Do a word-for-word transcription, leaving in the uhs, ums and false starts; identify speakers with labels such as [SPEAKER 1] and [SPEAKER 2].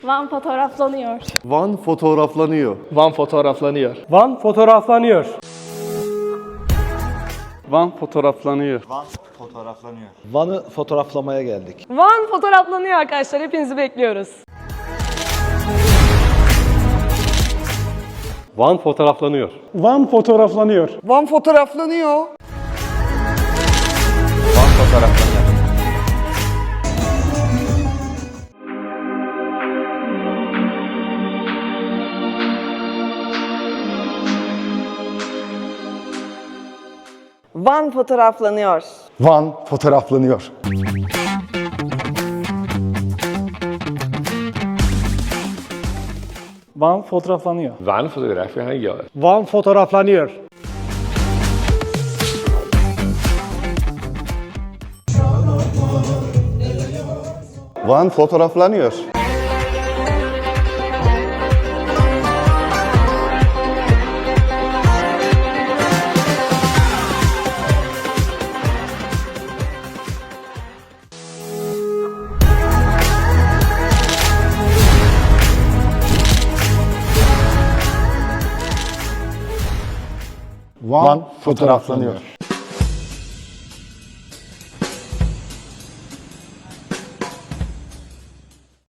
[SPEAKER 1] Van fotoğraflanıyor.
[SPEAKER 2] Van fotoğraflanıyor.
[SPEAKER 3] Van fotoğraflanıyor.
[SPEAKER 4] Van fotoğraflanıyor.
[SPEAKER 2] Van fotoğraflanıyor.
[SPEAKER 5] Van fotoğraflanıyor.
[SPEAKER 6] Van'ı fotoğraflamaya geldik.
[SPEAKER 7] Van fotoğraflanıyor arkadaşlar. Hepinizi bekliyoruz.
[SPEAKER 4] Van fotoğraflanıyor.
[SPEAKER 8] Van fotoğraflanıyor.
[SPEAKER 9] Van fotoğraflanıyor.
[SPEAKER 6] Van fotoğraflanıyor.
[SPEAKER 9] Van fotoğraflanıyor.
[SPEAKER 8] Van fotoğraflanıyor.
[SPEAKER 4] Van fotoğraflanıyor.
[SPEAKER 3] Van fotoğraflanıyor.
[SPEAKER 4] Van fotoğraflanıyor.
[SPEAKER 2] Van fotoğraflanıyor.
[SPEAKER 8] Van fotoğraflanıyor.